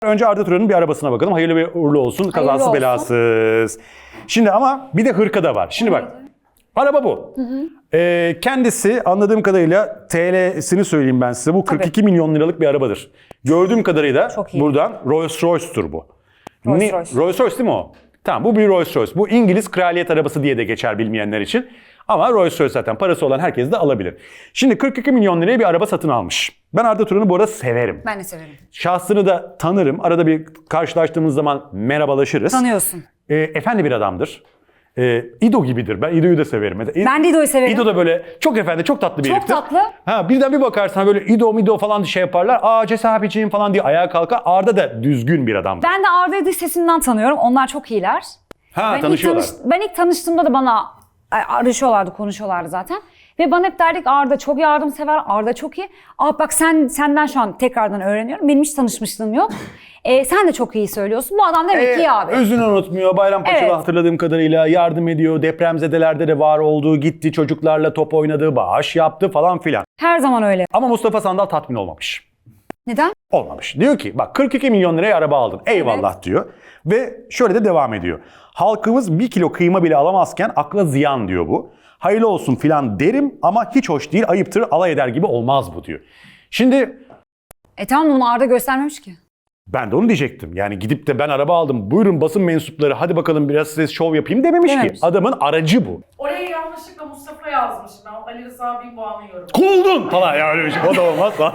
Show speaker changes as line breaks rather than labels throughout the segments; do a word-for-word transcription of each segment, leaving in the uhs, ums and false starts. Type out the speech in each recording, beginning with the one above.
Önce Arda Turan'ın bir arabasına bakalım. Hayırlı ve uğurlu olsun. Kazasız
olsun.
belasız. Şimdi ama bir de hırka da var. Şimdi bak. Araba bu. Hı hı. Ee, kendisi anladığım kadarıyla T L'sini söyleyeyim ben size. Bu kırk iki
Tabii.
milyon liralık bir arabadır. Gördüğüm kadarıyla
Çok iyi.
buradan Rolls Royce'tur bu.
Rolls
Ne-
Royce.
Rolls Royce değil mi o? Tamam, bu bir Rolls Royce. Bu İngiliz kraliyet arabası diye de geçer bilmeyenler için. Ama Rolls Royce zaten parası olan herkes de alabilir. Şimdi kırk iki milyon liraya bir araba satın almış. Ben Arda Turan'ı bu arada severim.
Ben de severim.
Şahsını da tanırım. Arada bir karşılaştığımız zaman merhabalaşırız.
Tanıyorsun.
E, efendi bir adamdır. E, İdo gibidir. Ben İdo'yu da severim. Mesela,
Ben de İdo'yu severim.
İdo da böyle çok efendi, çok tatlı bir
Çok
heriftir.
tatlı.
Ha, birden bir bakarsan böyle İdo mido falan şey yaparlar. Aa Ces abiciğim falan diye ayağa kalkar. Arda da düzgün bir adamdır.
Ben de Arda'yı dış sesinden tanıyorum. Onlar çok iyiler.
Ha,
ben ilk
tanışıyorlar.
tanış- ben ilk tanıştığımda da bana ay, arışıyorlardı, konuşuyorlardı zaten. Ve bana hep derdik Arda çok yardımsever, Arda çok iyi. Aa bak sen senden şu an tekrardan öğreniyorum. Benim hiç tanışmışlığım yok. Ee, sen de çok iyi söylüyorsun. Bu adam demek ki iyi abi.
Özünü unutmuyor. Bayrampaşa'da
Evet.
hatırladığım kadarıyla yardım ediyor. Depremzedelerde de var olduğu, gitti çocuklarla top oynadı, bağış yaptı falan filan.
Her zaman öyle.
Ama Mustafa Sandal tatmin olmamış.
Neden?
Olmamış. Diyor ki bak kırk iki milyon liraya araba aldın. Eyvallah
Evet.
diyor. Ve şöyle de devam ediyor. Halkımız bir kilo kıyma bile alamazken akla ziyan diyor bu. Hayırlı olsun filan derim ama hiç hoş değil, ayıptır, alay eder gibi olmaz bu diyor. Şimdi
E tamam bunu Arda göstermemiş ki.
ben de onu diyecektim. Yani gidip de ben araba aldım. Buyurun basın mensupları hadi bakalım biraz size şov yapayım dememiş
Dememiş.
ki. Adamın aracı bu.
Oraya yanlışlıkla Mustafa yazmışım. Ben Ali Rıza Binboğa'nın yorumu.
Kuldun falan ya öyle bir şey. O da olmaz falan.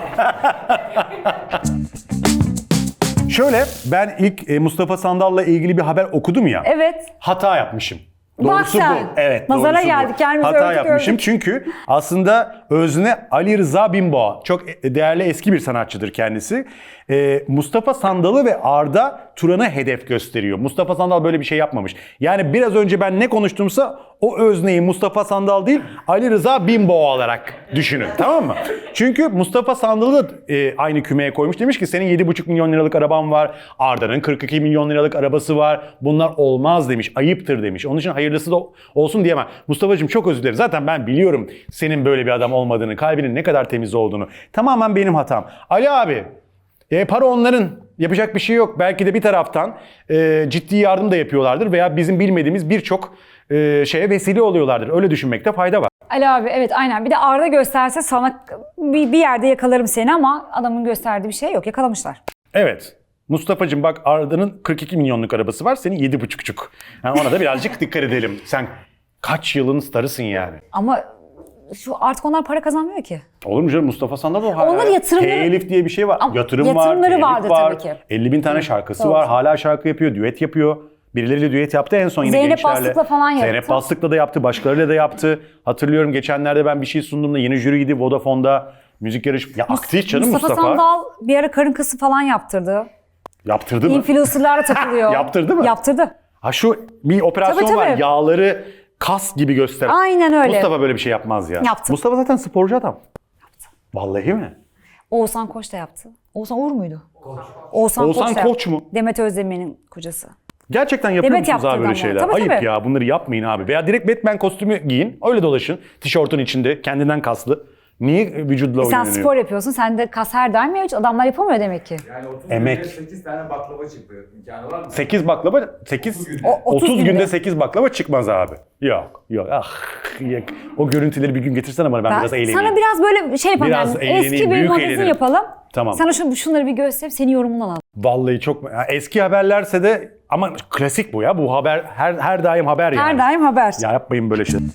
Şöyle ben ilk e, Mustafa Sandal'la ilgili bir haber okudum ya.
Evet.
Hata yapmışım.
Bak
Doğrusu
sen.
bu. Evet,
Nazara
doğrusu bu.
geldik, kendimizi
Hata
övdük,
yapmışım
övdük.
çünkü aslında özne Ali Rıza Binboğa. Çok değerli eski bir sanatçıdır kendisi. Ee, Mustafa Sandal'ı ve Arda Turan'ı hedef gösteriyor. Mustafa Sandal böyle bir şey yapmamış. Yani biraz önce ben ne konuştumsa o özneyi Mustafa Sandal değil Ali Rıza Binboğa olarak düşünün. Tamam mı? Çünkü Mustafa Sandal'ı da e, aynı kümeye koymuş. Demiş ki senin yedi buçuk milyon liralık araban var. Arda'nın kırk iki milyon liralık arabası var. Bunlar olmaz demiş. Ayıptır demiş. Onun için hayırlısı da olsun diyemem. Mustafa'cığım çok özür dilerim. Zaten ben biliyorum senin böyle bir adam olmadığını, kalbinin ne kadar temiz olduğunu. Tamamen benim hatam. Ali abi, e, para onların. Yapacak bir şey yok. Belki de bir taraftan e, ciddi yardım da yapıyorlardır veya bizim bilmediğimiz birçok e, şeye vesile oluyorlardır. Öyle düşünmekte fayda var.
Ali abi evet aynen. Bir de Arda gösterse sana bir, bir yerde yakalarım seni ama adamın gösterdiği bir şey yok. Yakalamışlar.
Evet. Mustafa'cığım bak Arda'nın kırk iki milyonluk arabası var. Senin yedi buçukçuk. Yani ona da birazcık dikkat edelim. Sen kaç yılın starısın yani.
Ama şu artık onlar para kazanmıyor ki.
Olur mu canım Mustafa Sandal o hala.
Onların yatırımları-
Telif diye bir şey var.
Ama
Yatırım var,
yatırımları
telif
vardı
var.
tabii ki.
elli bin tane şarkısı
Doğru.
var. Hala şarkı yapıyor, düet yapıyor. Birileriyle düet yaptı en son yine
Zeynep
gençlerle.
Bastık'la falan yaptı.
Zeynep Bastık'la da yaptı, başkalarıyla da yaptı. Hatırlıyorum geçenlerde ben bir şey sunduğumda yeni jüriydi Vodafone'da. Müzik yarışması. Ya aktif canım
Mustafa.
Mustafa.
Sandal bir ara karın kası falan yaptırdı.
Yaptırdı mı?
Influencer'lara takılıyor.
Yaptırdı mı?
Yaptırdı.
Ha şu bir operasyon
Tabii,
var.
tabii.
Yağları kas gibi göster.
Aynen öyle.
Mustafa böyle bir şey yapmaz ya.
Yaptı.
Mustafa zaten sporcu adam. Yaptı. Vallahi mi?
Oğuzhan Koç da yaptı. Oğuzhan Uğur muydu? Koç. Oğuzhan,
Oğuzhan
Koç, da
Koç
yaptı.
mu?
Demet Özdemir'in kocası.
Gerçekten yapıyor
Demet
musunuz abi
yaptırdı
böyle
ama.
şeyler?
Tabii,
Ayıp
tabii.
ya bunları yapmayın abi. Veya direkt Batman kostümü giyin. Öyle dolaşın. Tişörtün içinde kendinden kaslı. Niye vücudla
Sen
oynanıyor?
spor yapıyorsun. Sen de kas her daim mevcut. Adamlar yapamıyor demek ki.
Yani otuz
Emek.
günde sekiz tane baklava çıktı. İmkanı var mı?
sekiz baklava, sekiz,
O- otuz
otuz günde
günde.
sekiz baklava çıkmaz abi. Yok, yok. Ah, yok. O görüntüleri bir gün getirsene bana ben,
Ben
biraz eğleneyim.
sana biraz böyle şey yapalım.
Biraz
yani.
eğleneyim,
Eski bir
büyük
magazin
eğlenirim.
yapalım.
Tamam.
Sana şu, şunları bir gösterip senin yorumundan alalım.
Vallahi çok ya eski haberlerse de ama klasik bu ya. Bu haber her her daim haber yani.
Her daim haber.
Ya yapmayın böyle şey.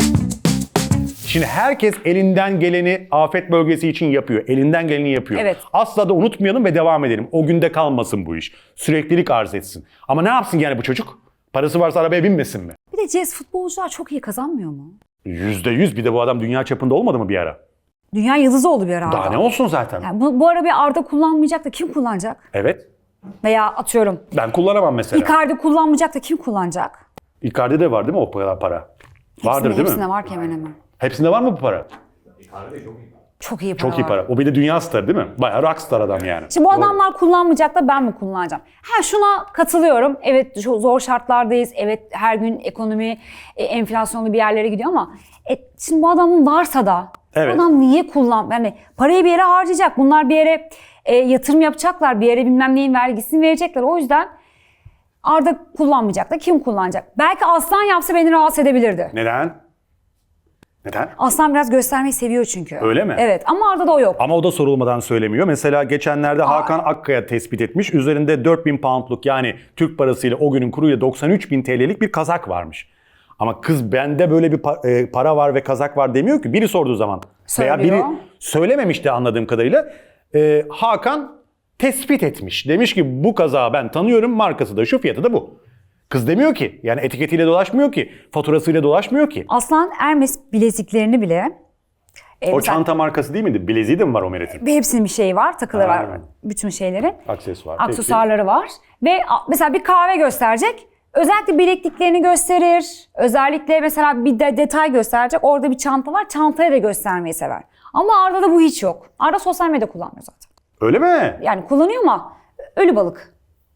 Şimdi herkes elinden geleni afet bölgesi için yapıyor. Elinden geleni yapıyor.
Evet.
Asla da unutmayalım ve devam edelim. O günde kalmasın bu iş. Süreklilik arz etsin. Ama ne yapsın yani bu çocuk? Parası varsa arabaya binmesin mi?
Bir de Cez futbolcular çok iyi kazanmıyor mu?
Yüzde yüz. Bir de bu adam dünya çapında olmadı mı bir ara?
Dünya yıldızı oldu bir ara.
Daha
Arda.
ne olsun zaten?
Yani bu, bu ara bir Arda kullanmayacak da kim kullanacak?
Evet.
Veya atıyorum
Ben kullanamam mesela.
Icardi kullanmayacak da kim kullanacak?
Icardi'de de var değil mi o kadar para? Vardır
Hepsinde,
değil mi?
hepsinde var ki hemen hemen.
Hepsinde var mı bu para?
Icardi çok iyi.
Çok iyi para
Çok iyi
var.
para. O bir de dünya starı değil mi? Bayağı rockstar adam yani.
Şimdi bu
Doğru.
adamlar kullanmayacak da ben mi kullanacağım? Ha şuna katılıyorum. Evet şu zor şartlardayız. Evet her gün ekonomi e, enflasyonlu bir yerlere gidiyor ama e, şimdi bu adamın varsa da
Evet.
bu adam niye kullan? Yani parayı bir yere harcayacak. Bunlar bir yere E, yatırım yapacaklar bir yere, bilmem neyin vergisini verecekler. O yüzden Arda kullanmayacak da kim kullanacak? Belki Aslan yapsa beni rahatsız edebilirdi.
Neden? Neden?
Aslan biraz göstermeyi seviyor çünkü.
Öyle mi?
Evet ama Arda'da o yok.
Ama o da sorulmadan söylemiyor. Mesela geçenlerde Hakan Akkaya tespit etmiş. Üzerinde dört bin poundluk, yani Türk parasıyla o günün kuruyla doksan üç bin T L'lik bir kazak varmış. Ama kız bende böyle bir pa- e, para var ve kazak var demiyor ki. Biri sorduğu zaman. Veya
Söylüyor.
biri söylememişti anladığım kadarıyla. E, Hakan tespit etmiş. Demiş ki bu kazağı ben tanıyorum, markası da şu, fiyatı da bu. Kız demiyor ki. Yani etiketiyle dolaşmıyor ki. Faturasıyla dolaşmıyor ki.
Aslan Hermes bileziklerini bile e,
O
mesela-
çanta markası değil miydi? Bileziği de mi var o Meret'in?
hepsinin bir şeyi var, takıları var.
Aynen.
Bütün şeylerin.
Aksesuar.
Aksesuarları var. Ve a- mesela bir kahve gösterecek. Özellikle bilekliklerini gösterir. Özellikle mesela bir de detay gösterecek. Orada bir çanta var. Çantayı da göstermeyi sever. Ama Arda'da bu hiç yok. Arda sosyal medya kullanmıyor zaten.
Öyle mi?
Yani kullanıyor ama ölü balık.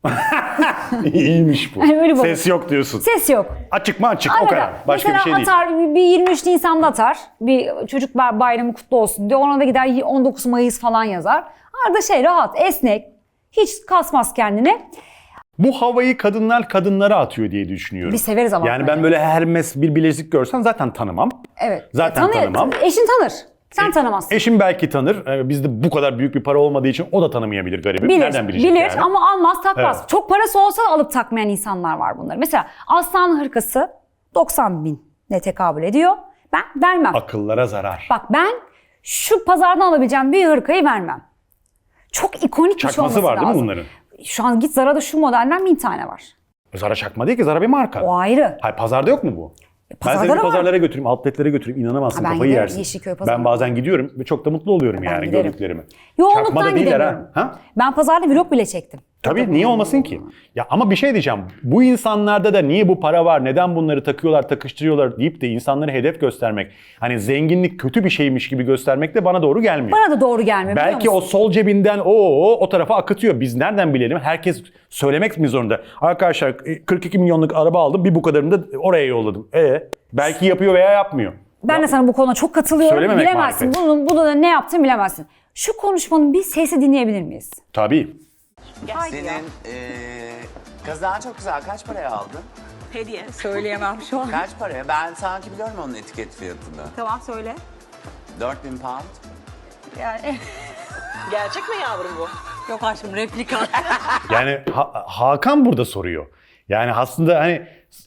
İyiymiş bu.
Yani öyle balık.
Ses yok diyorsun.
Ses yok.
Açık mı açık, o
Arada
kadar. Başka bir
mesela
şey değil.
atar, bir yirmi üç Nisan'da atar. Bir çocuk bay- bayramı kutlu olsun diyor. Ona da gider on dokuz Mayıs falan yazar. Arada şey rahat, esnek. Hiç kasmaz kendini.
Bu havayı kadınlar kadınlara atıyor diye düşünüyorum.
Biz severiz ama.
Yani ben böyle Hermes bir bilezik görsem zaten tanımam.
Evet.
Zaten
Tanı-
tanımam.
Eşin tanır. Sen tanımazsın.
Eşim belki tanır. Ee, Bizde bu kadar büyük bir para olmadığı için o da tanımayabilir garibim.
Bilir,
Nereden bilecek
bilir
yani?
ama almaz takmaz.
Evet.
Çok parası olsa da alıp takmayan insanlar var bunları. Mesela aslan hırkası doksan binle tekabül ediyor. Ben vermem.
Akıllara zarar.
Bak ben şu pazardan alabileceğim bir hırkayı vermem. Çok ikonik bir şey
Çakması
olması
var değil mi
lazım.
bunların?
Şu an git Zara'da şu modelden bin tane var.
Zara çakma değil ki, Zara bir marka.
O ayrı.
Hayır, pazarda yok mu bu? Ben
pazarda
seni bir
da var.
pazarlara götüreyim, outletlere götüreyim. İnanamazsın,
Ha, ben
kafayı
giderim,
yersin.
Yeşilköy pazarına.
Ben bazen gidiyorum ve çok da mutlu oluyorum yani
giderim.
gördüklerimi.
Yoğunluktan
Çakma da değiller
gidemiyorum.
ha. ha?
Ben pazarda vlog bile çektim.
Tabii, niye olmasın ki? Ya ama bir şey diyeceğim. Bu insanlarda da niye bu para var, neden bunları takıyorlar, takıştırıyorlar deyip de insanları hedef göstermek, hani zenginlik kötü bir şeymiş gibi göstermek de bana doğru gelmiyor.
Bana da doğru gelmiyor biliyor
Belki o
musun?
sol cebinden o o o tarafa akıtıyor. Biz nereden bilelim? Herkes söylemek mi zorunda? Arkadaşlar kırk iki milyonluk araba aldım, bir bu kadarını da oraya yolladım. E belki yapıyor veya yapmıyor.
Ben de sana bu konuda çok katılıyorum.
Söylememek
Bilemezsin.
marifet.
Bunun, bunu da ne yaptığını bilemezsin. Şu konuşmanın bir sesi dinleyebilir miyiz?
Tabii.
Senin eee kazağın çok güzel. Kaç paraya aldın?
Hediye. Söyleyemem şu an.
Kaç paraya? Ben sanki biliyorum onun etiket fiyatını.
Tamam söyle.
dört bin pound.
Yani gerçek mi yavrum bu? Yok aşkım replika.
Yani Ha- Hakan burada soruyor. Yani aslında hani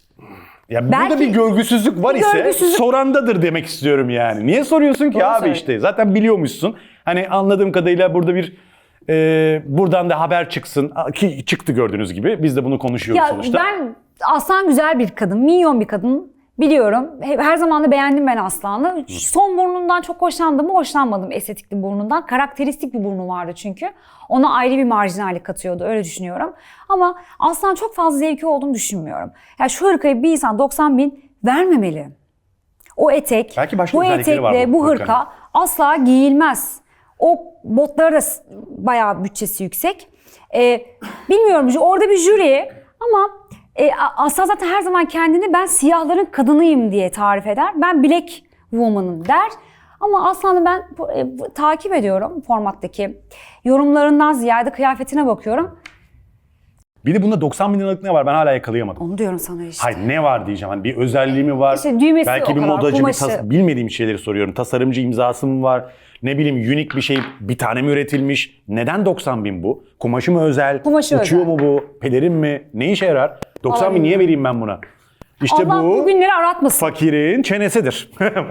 ya burada
Belki-
bir görgüsüzlük var ise
görgüsüzlük-
sorandadır demek istiyorum yani. Niye soruyorsun ki
Doğru
abi
söylüyor.
işte? Zaten biliyormuşsun. Hani anladığım kadarıyla burada bir e, buradan da haber çıksın ki çıktı gördüğünüz gibi. Biz de bunu konuşuyoruz
Ya
sonuçta.
ben Aslan güzel bir kadın, minyon bir kadın. Biliyorum. He- Her zaman da beğendim ben Aslan'ı. Son burnundan çok hoşlandım mı? Hoşlanmadım estetikli burnundan. Karakteristik bir burnu vardı çünkü. Ona ayrı bir marjinallik katıyordu. Öyle düşünüyorum. Ama Aslan çok fazla zevki olduğunu düşünmüyorum. Ya şu hırkayı bir insan doksan bin vermemeli. O etek,
Belki başka
bu
özellikleri var
etekle
bu
bu
hırkanın.
hırka asla giyilmez. O botları da s- bayağı bütçesi yüksek. Ee, bilmiyorum orada bir jüri ama e, A- Aslan zaten her zaman kendini ben siyahların kadınıyım diye tarif eder. Ben black woman'ım der. Ama Aslan'ı ben e, bu- takip ediyorum formattaki yorumlarından ziyade kıyafetine bakıyorum.
Bir de bunda doksan bin liralık ne var? Ben hala yakalayamadım.
Onu diyorum sana işte.
Hayır, ne var diyeceğim. Hani bir özelliği mi var?
İşte düğmesi
Belki
o
bir
kadar,
modacı, bir
kumaşı.
tas- bilmediğim şeyleri soruyorum. Tasarımcı imzası mı var? Ne bileyim, unik bir şey bir tane mi üretilmiş? Neden doksan bin bu? Kumaşı mı özel?
Kumaşı
Uçuyor
özel.
mu bu? Pelerin mi? Ne işe yarar? doksan bin
Vallahi
niye vereyim ben buna? İşte
Allah
bu
bu günleri aratmasın.
fakirin çenesidir.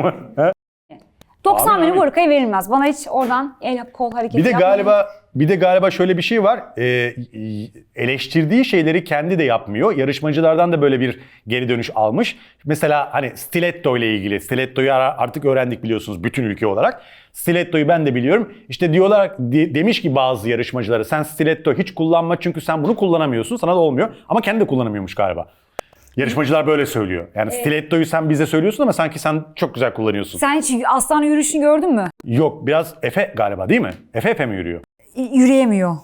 doksan
Abi,
bini
abi.
bu hırkaya verilmez. Bana hiç oradan el kol hareketi
Bir de
yapmayın.
galiba bir de galiba şöyle bir şey var. Ee, eleştirdiği şeyleri kendi de yapmıyor. Yarışmacılardan da böyle bir geri dönüş almış. Mesela hani stiletto ile ilgili. Stiletto'yu ara- artık öğrendik biliyorsunuz bütün ülke olarak. Stiletto'yu ben de biliyorum. İşte diyorlar de- demiş ki bazı yarışmacılara sen stiletto hiç kullanma çünkü sen bunu kullanamıyorsun. Sana da olmuyor. Ama kendi de kullanamıyormuş galiba. Yarışmacılar böyle söylüyor. Yani stiletto'yu sen bize söylüyorsun ama sanki sen çok güzel kullanıyorsun.
Sen hiç aslan yürüyüşünü gördün mü?
Yok, biraz Efe galiba değil mi? Efe Efe mi yürüyor?
Y- Yürüyemiyor.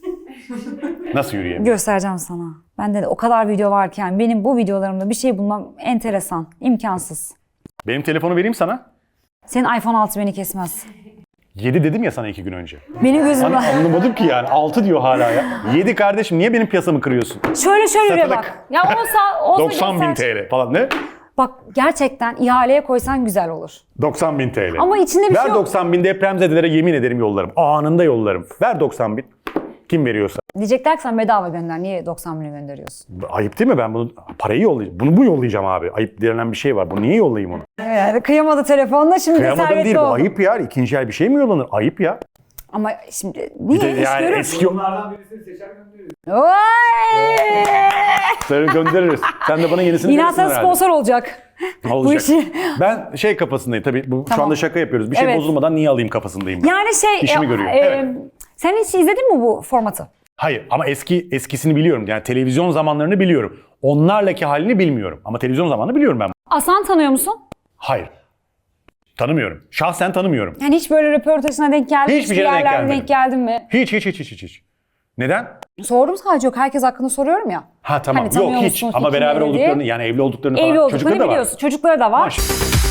Nasıl yürüyemiyor?
Göstereceğim sana. Bende de o kadar video varken benim bu videolarımda bir şey bulmam enteresan, imkansız.
Benim telefonu vereyim sana.
Senin iPhone altı beni kesmez.
yedi dedim ya sana iki gün önce.
Benim gözümde.
An- anlamadım ki yani. altı diyor hala ya. yedi kardeşim niye benim piyasamı kırıyorsun?
Şöyle şöyle bir
Satılık.
bak. Ya olsa, olsa
doksan bin
göster-
T L falan ne?
Bak gerçekten ihaleye koysan güzel olur.
doksan bin T L.
Ama içinde bir
Ver
şey yok.
doksan bin depremzedelere yemin ederim yollarım. Anında yollarım. Ver doksan bin. Kim veriyorsa.
Diyecekler ki sen bedava gönder. Niye doksan bini gönderiyorsun?
Ayıp değil mi? Ben bunu parayı yollayacağım. Bunu bu yollayacağım abi. Ayıp denilen bir şey var. Bu niye yollayayım onu?
Yani kıyamadı telefonla şimdi
Kıyamadım
servetli
değil. Bu
oldu.
ayıp ya. İkinci el bir şey mi yollanır? Ayıp ya.
Ama şimdi niye
de
iş
yani
görür?
eski-
Bunlardan birisini seçer göndeririz.
Oy!
Sarı göndeririz. Sen de bana yenisini
İnan
verirsin
sana
herhalde.
sponsor olacak.
Olacak.
Bu işi.
Ben şey kafasındayım tabii. Bu, Şu
Tamam.
anda şaka yapıyoruz. Bir şey
Evet.
bozulmadan niye alayım kafasındayım ben.
Yani şey...
İşimi
e,
görüyor.
e,
Evet.
Sen hiç izledin mi bu formatı?
Hayır ama eski eskisini biliyorum. Yani televizyon zamanlarını biliyorum. Onlarlaki halini bilmiyorum. Ama televizyon zamanını biliyorum ben.
Aslan tanıyor musun?
Hayır. Tanımıyorum. Şahsen tanımıyorum.
Yani hiç böyle röportajına denk geldin mi?
Hiçbir şeye denk
yerlerde
gelmedim.
denk geldin mi?
Hiç hiç hiç hiç hiç. hiç. Neden?
Sordum sadece, yok herkes hakkında soruyorum ya.
Ha tamam.
Hani tanıyor
Yok hiç.
musun,
Ama
fikrin
beraber
neydi?
olduklarını yani evli olduklarını
Evli
falan.
olduklarını
Çocukları da var.
biliyorsun. Çocukları da var.
Maşallah.